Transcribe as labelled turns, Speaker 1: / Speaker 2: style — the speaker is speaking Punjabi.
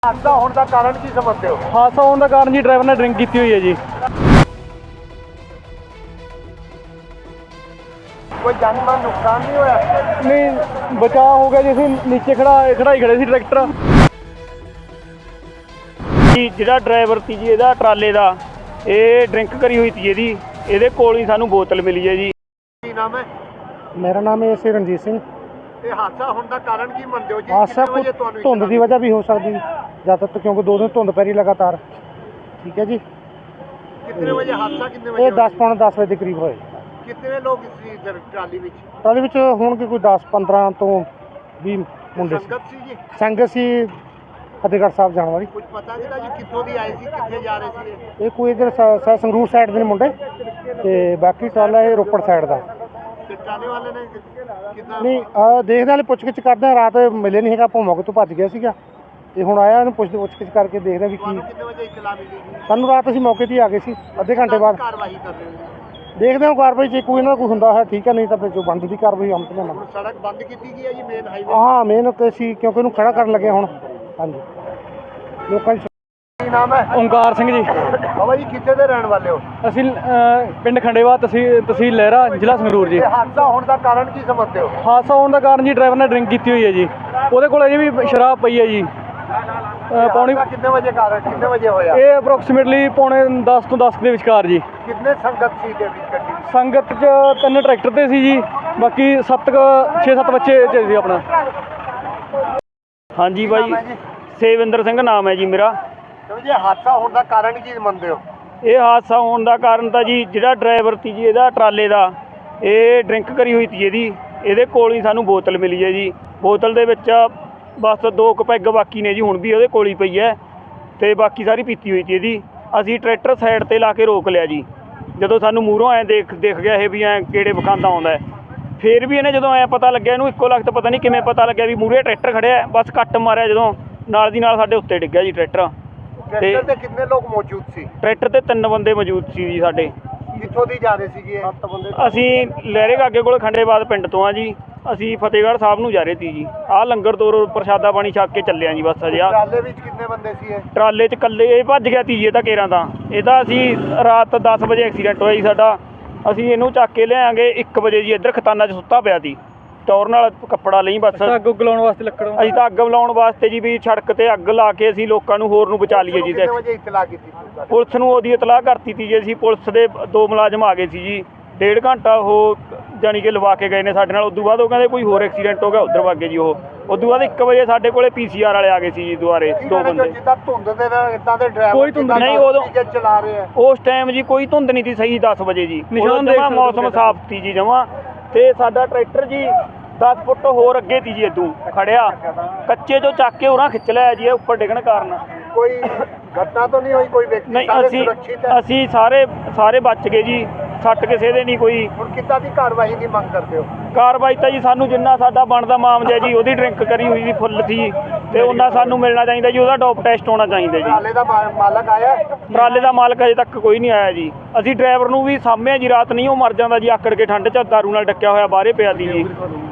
Speaker 1: हादसा होने का कारण की समझते हो?
Speaker 2: हादसा होने का कारण जी ड्राइवर ने ड्रिंक की हुई है जी।
Speaker 1: कोई जानी-माल नुकसान नहीं होया?
Speaker 2: नहीं बचाव हो गया जी। ਅਸੀਂ ਨੀਚੇ ਖੜਾਈ ਖੜੇ ਸੀ ਟਰੈਕਟਰ ਜੀ। ਜਿਹੜਾ ਡਰਾਈਵਰ ਸੀ ਜੀ ਇਹਦਾ ਟਰਾਲੇ ਦਾ, ਇਹ ਡਰਿੰਕ ਕਰੀ ਹੋਈ ਸੀ ਇਹਦੇ ਕੋਲ ਹੀ ਸਾਨੂੰ ਬੋਤਲ ਮਿਲੀ ਹੈ ਜੀ।
Speaker 1: ਕੀ ਨਾਮ ਹੈ?
Speaker 2: ਮੇਰਾ ਨਾਮ ਹੈ ਸੀ ਰਣਜੀਤ ਸਿੰਘ।
Speaker 1: ਇਹ ਹਾਦਸਾ ਹੋਣ ਦਾ ਕਾਰਨ ਕੀ ਮੰਨਦੇ ਹੋ ਜੀ?
Speaker 2: ਹਾਦਸਾ
Speaker 1: ਕਿੰਨੇ ਵਜੇ ਤੁਹਾਨੂੰ
Speaker 2: ਧੁੰਦ ਦੀ ਵਜ੍ਹਾ ਵੀ ਹੋ ਸਕਦੀ ਜ਼ਿਆਦਾਤਰ, ਕਿਉਂਕਿ 2 ਦਿਨ ਧੁੰਦ ਪੈ ਰਹੀ ਲਗਾਤਾਰ। ਠੀਕ ਹੈ ਜੀ।
Speaker 1: ਕਿੰਨੇ ਵਜੇ ਹਾਦਸਾ ਕਿੰਨੇ ਵਜੇ?
Speaker 2: ਇਹ 10 ਵਜੇ ਦੇ ਕਰੀਬ ਹੋਏ।
Speaker 1: ਕਿੰਨੇ ਲੋਕ ਸੀ ਟਰਾਲੀ ਵਿੱਚ?
Speaker 2: ਟਰਾਲੀ ਵਿੱਚ ਹੋਣਗੇ ਕੋਈ 10-15 ਤੋਂ 20 ਮੁੰਡੇ ਸੀ।
Speaker 1: ਸੰਗਤ ਸੀ ਜੀ?
Speaker 2: ਸੰਗਤ ਸੀ ਫਤਿਹਗੜ੍ਹ ਸਾਹਿਬ ਜਾਣ ਵਾਲੀ।
Speaker 1: ਕੁਝ ਪਤਾ ਨਹੀਂ ਜੀ ਕਿੱਥੋਂ ਦੀ ਆਏ ਸੀ, ਕਿੱਥੇ ਜਾ ਰਹੇ ਸੀ?
Speaker 2: ਇਹ ਕੋਈ ਇਧਰ ਸੰਗਰੂਰ ਸਾਈਡ ਦੇ ਨੇ ਮੁੰਡੇ, ਤੇ ਬਾਕੀ ਟਰਾਲਾ ਇਹ ਰੋਪੜ ਸਾਈਡ ਦਾ।
Speaker 1: ਤੇ ਟਰਾਲੇ ਵਾਲੇ ਨੇ ਕਿੰਨਾ?
Speaker 2: ਨਹੀਂ ਦੇਖਦੇ ਵਾਲੇ ਪੁੱਛ-ਗਿੱਛ ਕਰਦੇ ਆ। ਰਾਤ ਮਿਲੇ ਨਹੀਂ ਹੈਗਾ, ਆਪਾਂ ਮੌਕੇ ਤੋਂ ਭੱਜ ਗਿਆ ਸੀਗਾ, ਤੇ ਹੁਣ ਆਇਆ ਇਹਨੂੰ ਪੁੱਛ-ਗਿੱਛ ਕਰਕੇ ਦੇਖਦੇ ਵੀ ਕੀ।
Speaker 1: ਕਿੰਨੇ ਵਜੇ ਇਤਲਾ ਮਿਲੀ ਜੀ?
Speaker 2: ਸਾਨੂੰ ਰਾਤ ਅਸੀਂ ਮੌਕੇ 'ਤੇ ਹੀ ਆ ਗਏ ਸੀ, ਅੱਧੇ ਘੰਟੇ ਬਾਅਦ।
Speaker 1: ਕਾਰਵਾਈ ਕਰ ਰਹੇ ਹੋ?
Speaker 2: ਦੇਖਦੇ ਹਾਂ ਕਾਰਵਾਈ ਜੇ ਕੋਈ ਇਹਨਾਂ ਦਾ ਕੋਈ ਹੁੰਦਾ ਹੈ ਠੀਕ ਹੈ, ਨਹੀਂ ਤਾਂ ਫਿਰ ਜੋ ਬੰਦ ਦੀ ਕਾਰਵਾਈ ਹਮ ਤੇ ਲੈਣਾ।
Speaker 1: ਹੁਣ ਸੜਕ ਬੰਦ ਕੀਤੀ ਗਈ ਹੈ ਜੀ, ਮੇਨ ਹਾਈਵੇ।
Speaker 2: ਹਾਂ ਮੇਨ ਸੀ, ਕਿਉਂਕਿ ਇਹਨੂੰ ਖੜਾ ਕਰਨ ਲੱਗੇ ਹੁਣ। ਹਾਂਜੀ ਲੋਕਾਂ ਦੀ।
Speaker 1: ਕੀ ਨਾਮ ਹੈ?
Speaker 2: ਓਮਕਾਰ ਸਿੰਘ ਜੀ।
Speaker 1: ਬਾਬਾ ਜੀ ਕਿੱਥੇ ਦੇ ਰਹਿਣ ਵਾਲੇ ਹੋ?
Speaker 2: ਅਸੀਂ ਪਿੰਡ ਖੰਡੇਵਾ, ਤਹਿਸੀਲ ਲਹਿਰਾ, ਜ਼ਿਲ੍ਹਾ ਸੰਗਰੂਰ ਜੀ।
Speaker 1: ਇਹ ਹਾਦਸਾ ਹੋਣ ਦਾ ਕਾਰਨ ਕੀ ਸਮਝਦੇ ਹੋ?
Speaker 2: ਹਾਦਸਾ ਹੋਣ ਦਾ ਕਾਰਨ ਜੀ ਡਰਾਈਵਰ ਨੇ ਡਰਿੰਕ ਕੀਤੀ ਹੋਈ ਹੈ ਜੀ। ਉਹਦੇ ਕੋਲ ਅਜੇ ਵੀ ਸ਼ਰਾਬ ਪਈ ਹੈ ਜੀ। ਪੌਣੀ
Speaker 1: ਕਿੰਨੇ ਵਜੇ ਕਾਰਨ ਕਿੰਨੇ ਵਜੇ ਹੋਇਆ?
Speaker 2: ਇਹ ਅਪਰੋਕਸੀਮੇਟਲੀ ਪੌਣੇ 10 ਤੋਂ 10 ਦੇ ਵਿਚਕਾਰ ਜੀ।
Speaker 1: ਕਿੰਨੇ ਸੰਗਤ ਸੀ ਦੇ ਵਿੱਚ ਗੱਡੀ?
Speaker 2: ਸੰਗਤ 'ਚ 3 ਟਰੈਕਟਰ ਤੇ ਸੀ ਜੀ, ਬਾਕੀ 6-7 ਬੱਚੇ 'ਚ ਸੀ ਆਪਣਾ। ਹਾਂਜੀ ਬਾਈ, ਸੇਵਿੰਦਰ ਸਿੰਘ ਨਾਮ ਹੈ ਜੀ ਮੇਰਾ।
Speaker 1: ਜੀ ਹਾਦਸਾ ਹੋਣ ਦਾ ਕਾਰਨ ਕੀ ਮੰਨਦੇ ਹੋ?
Speaker 2: ਇਹ ਹਾਦਸਾ ਹੋਣ ਦਾ ਕਾਰਨ ਤਾਂ ਜੀ ਜਿਹੜਾ ਡਰਾਈਵਰ ਸੀ ਜੀ ਇਹਦਾ ਟਰਾਲੇ ਦਾ, ਇਹ ਡਰਿੰਕ ਕਰੀ ਹੋਈ ਸੀ ਇਹਦੇ ਕੋਲ ਹੀ ਸਾਨੂੰ ਬੋਤਲ ਮਿਲੀ ਹੈ ਜੀ। ਬੋਤਲ ਦੇ ਵਿੱਚ ਬਸ 2 ਕੁ ਪੈਗ ਬਾਕੀ ਨੇ ਜੀ, ਹੁਣ ਵੀ ਉਹਦੇ ਕੋਲ ਹੀ ਪਈ ਹੈ, ਤੇ ਬਾਕੀ ਸਾਰੀ ਪੀਤੀ ਹੋਈ ਸੀ ਇਹਦੀ। ਅਸੀਂ ਟਰੈਕਟਰ ਸਾਈਡ 'ਤੇ ਲਾ ਕੇ ਰੋਕ ਲਿਆ ਜੀ। ਜਦੋਂ ਸਾਨੂੰ ਮੂਹਰੋਂ ਐਂ ਦੇਖ ਗਿਆ ਇਹ ਵੀ ਐਂ ਕਿਹੜੇ ਵਿਖਾਂਦਾ ਆਉਂਦਾ, ਫਿਰ ਵੀ ਇਹਨੇ ਜਦੋਂ ਐਂ ਪਤਾ ਲੱਗਿਆ, ਇਹਨੂੰ ਇੱਕੋ ਲਖਤ ਪਤਾ ਨਹੀਂ ਕਿਵੇਂ ਪਤਾ ਲੱਗਿਆ ਵੀ ਮੂਹਰੇ ਟਰੈਕਟਰ ਖੜਿਆ, ਬਸ ਕੱਟ ਮਾਰਿਆ ਜਦੋਂ, ਨਾਲ ਦੀ ਨਾਲ ਸਾਡੇ ਉੱਤੇ ਡਿੱਗਿਆ ਜੀ ਟਰੈਕਟਰ।
Speaker 1: ਟਰੈਕਟਰ ਤੇ ਕਿੰਨੇ ਲੋਕ ਮੌਜੂਦ ਸੀ?
Speaker 2: ਟਰੈਕਟਰ ਤੇ 3 ਬੰਦੇ ਮੌਜੂਦ ਸੀ ਜੀ ਸਾਡੇ।
Speaker 1: ਕਿੱਥੋਂ ਦੀ ਜਾ ਰਹੇ ਸੀਗੇ ਇਹ? 7 ਬੰਦੇ।
Speaker 2: ਅਸੀਂ ਲਹਿਰੇ ਗਾਗੇ ਕੋਲ ਖੰਡੇਬਾਦ ਪਿੰਡ ਤੋਂ ਆ ਜੀ। ਅਸੀਂ ਫਤਿਹਗੜ੍ਹ ਸਾਹਿਬ ਨੂੰ ਜਾ ਰਹੇ ਸੀ ਜੀ। ਆਹ ਲੰਗਰ ਤੋਂ ਪ੍ਰਸ਼ਾਦਾ ਪਾਣੀ ਛਕ ਕੇ ਚੱਲੇ ਆ ਜੀ ਬਸ। ਅਜੇ
Speaker 1: ਟਰਾਲੇ ਵਿੱਚ ਕਿੰਨੇ ਬੰਦੇ ਸੀ ਇਹ?
Speaker 2: ਟਰਾਲੇ 'ਚ ਇਕੱਲੇ ਇਹ ਭੱਜ ਗਿਆ ਸੀ ਜੀ, ਇਹ ਤਾਂ ਕੇਰਾਂ ਤਾਂ। ਇਹਦਾ ਅਸੀਂ ਰਾਤ 10 ਵਜੇ ਐਕਸੀਡੈਂਟ ਹੋਇਆ ਜੀ ਸਾਡਾ। ਅਸੀਂ ਇਹਨੂੰ ਚੱਕ ਕੇ ਲਿਆਂਗੇ 1 ਵਜੇ ਜੀ। ਇੱਧਰ ਖਤਾਨਾ 'ਚ ਸੁੱਤਾ ਪਿਆ ਸੀ, ਟੌਰ ਨਾਲ ਕੱਪੜਾ ਲਈ ਬਸ। ਅੱਗ ਲਾਉਣ ਵਾਸਤੇ ਲੱਕੜ, ਅਸੀਂ ਤਾਂ ਅੱਗ ਲਾਉਣ ਵਾਸਤੇ ਜੀ ਵੀ ਸੜਕ ਤੇ ਅੱਗ ਲਾ ਕੇ ਅਸੀਂ ਲੋਕਾਂ ਨੂੰ ਹੋਰ ਨੂੰ ਬਚਾ ਲਈਏ ਜੀ।
Speaker 1: ਕਿੰਨੇ ਵਜੇ ਇਤਲਾ ਕੀਤੀ?
Speaker 2: ਪੁਲਿਸ ਨੂੰ ਉਹਦੀ ਇਤਲਾਹ ਕਰਤੀ ਸੀ ਜੀ ਅਸੀਂ। ਪੁਲਿਸ ਦੇ 2 ਮੁਲਾਜ਼ਮ ਆ ਗਏ ਸੀ ਜੀ। 1.5 ਘੰਟਾ ਉਹ ਜਾਣੀ ਕਿ ਲਵਾ ਕੇ ਗਏ ਨੇ ਸਾਡੇ ਨਾਲ। ਉਦੋਂ ਬਾਅਦ ਉਹ ਕਹਿੰਦੇ ਕੋਈ ਹੋਰ ਐਕਸੀਡੈਂਟ ਹੋ ਗਿਆ, ਉੱਧਰ ਵਗ ਗਏ ਜੀ ਉਹ। ਉਦੋਂ ਬਾਅਦ 1 ਵਜੇ ਸਾਡੇ ਕੋਲੇ PCR ਵਾਲੇ ਆ ਗਏ ਸੀ ਜੀ ਦੁਬਾਰੇ, 2 ਬੰਦੇ।
Speaker 1: ਜਿੱਦਾਂ ਧੁੰਦ ਦੇ ਨਾਲ ਇਦਾਂ ਦੇ ਡਰਾਈਵਰ
Speaker 2: ਕੋਈ ਧੁੰਦ ਨਹੀਂ ਉਦੋਂ
Speaker 1: ਚਲਾ ਰਹੇ ਆ।
Speaker 2: ਉਸ ਟਾਈਮ ਜੀ ਕੋਈ ਧੁੰਦ ਨਹੀਂ ਸੀ, ਸਹੀ 10 ਵਜੇ ਜੀ। ਜਮਾਂ ਮੌਸਮ ਸਾਫ਼ ਸੀ ਜੀ ਜਮਾਂ। ਤੇ ਸਾਡਾ ਟਰੈਕਟਰ ਜੀ 10 ਫੁੱਟ ਹੋਰ ਅੱਗੇ ਸੀ ਜੀ, ਇਦੋਂ ਖੜਿਆ ਕੱਚੇ ਚੋਂ ਚੱਕ ਕੇ ਉਰਾਂ ਖਿੱਚ ਲਿਆ ਜੀ ਇਹ ਉੱਪਰ ਡਿੱਗਣ ਕਾਰਨ।
Speaker 1: ਕੋਈ ਘਟਨਾ ਤਾਂ ਨਹੀਂ ਹੋਈ? ਕੋਈ ਵਿਅਕਤੀ?
Speaker 2: ਨਹੀਂ, ਅਸੀਂ ਸਾਰੇ ਬਚ ਗਏ ਜੀ, ਸੱਟ ਕਿਸੇ ਦੇ ਨਹੀਂ ਕੋਈ।
Speaker 1: ਹੁਣ ਕਿੱਦਾਂ ਦੀ ਕਾਰਵਾਈ ਦੀ ਮੰਗ ਕਰਦੇ ਹੋ?
Speaker 2: ਕਾਰਵਾਈ ਤਾਂ ਜੀ ਸਾਨੂੰ ਜਿੰਨਾ ਸਾਡਾ ਬਣਦਾ ਮਾਮਲਾ ਜੀ, ਉਹਦੀ ਡਰਿੰਕ ਕਰੀ ਹੋਈ ਸੀ ਫੁੱਲ ਸੀ, ਤੇ ਉਹਨਾਂ ਸਾਨੂੰ ਮਿਲਣਾ ਚਾਹੀਦਾ ਜੀ। ਉਹਦਾ ਡੋਪ ਟੈਸਟ ਹੋਣਾ ਚਾਹੀਦਾ ਜੀ।
Speaker 1: ਟਰਾਲੇ ਦਾ ਮਾਲਕ ਆਇਆ?
Speaker 2: ਟਰਾਲੇ ਦਾ ਮਾਲਕ ਅਜੇ ਤੱਕ ਕੋਈ ਨਹੀਂ ਆਇਆ ਜੀ। ਅਸੀਂ ਡਰਾਈਵਰ ਨੂੰ ਵੀ ਸਾਂਭਿਆ ਜੀ, ਰਾਤ ਨਹੀਂ ਉਹ ਮਰ ਜਾਂਦਾ ਜੀ ਆਕੜ ਕੇ ਠੰਡ 'ਚ, ਦਾਰੂ ਨਾਲ ਡੱਕਿਆ ਹੋਇਆ ਬਾਹਰੇ ਪਿਆ ਸੀ ਜੀ।